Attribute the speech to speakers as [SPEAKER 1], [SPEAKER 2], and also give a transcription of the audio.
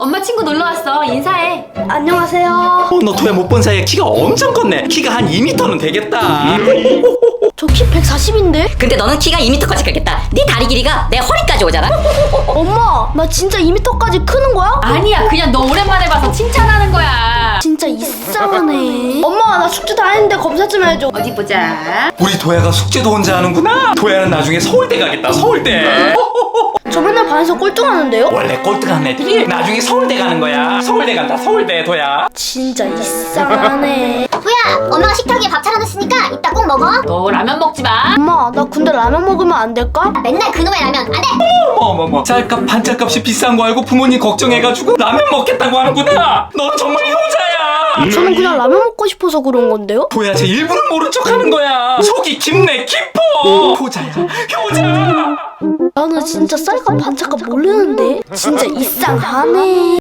[SPEAKER 1] 엄마 친구 놀러 왔어. 인사해.
[SPEAKER 2] 안녕하세요.
[SPEAKER 3] 너 도야 못 본 사이에 키가 엄청 컸네. 키가 한 2m는 되겠다.
[SPEAKER 2] 저 키 140인데?
[SPEAKER 4] 근데 너는 키가 2m까지 크겠다. 네 다리 길이가 내 허리까지 오잖아.
[SPEAKER 2] 엄마, 나 진짜 2m까지 크는 거야?
[SPEAKER 1] 아니야, 그냥 너 오랜만에 봐서 칭찬하는 거야.
[SPEAKER 2] 진짜 이상하네. 엄마, 나 숙제 다 했는데 검사 좀 해줘.
[SPEAKER 1] 어디 보자.
[SPEAKER 3] 우리 도야가 숙제도 혼자 하는구나. 도야는 나중에 서울대 가겠다. 서울대.
[SPEAKER 2] 저 맨날 반에서 꼴등하는데요?
[SPEAKER 3] 원래 꼴등한 애들이 나중에 서울대 가는 거야. 서울대 간다. 서울대 도야.
[SPEAKER 2] 진짜 이상하네.
[SPEAKER 5] 뭐야, 엄마가 식탁 위에 밥 차려놨으니까 이따 꼭 먹어.
[SPEAKER 1] 너 라면 먹지 마.
[SPEAKER 2] 엄마, 나 근데 라면 먹으면 안 될까?
[SPEAKER 5] 맨날 그놈의 라면 안 돼.
[SPEAKER 3] 어머머. 쌀값 반찬값이 비싼 거 알고 부모님 걱정해가지고 라면 먹겠다고 하는구나. 넌 정말 효자야.
[SPEAKER 2] 저는 그냥 라면 먹고 싶어서 그런 건데요?
[SPEAKER 3] 도야 쟤 일부러 모른 척하는 거야. 속이 깊네 깊어. 효자야 효자.
[SPEAKER 2] 나는 진짜 쌀값 반찬값 모르는데? 진짜 이상하네.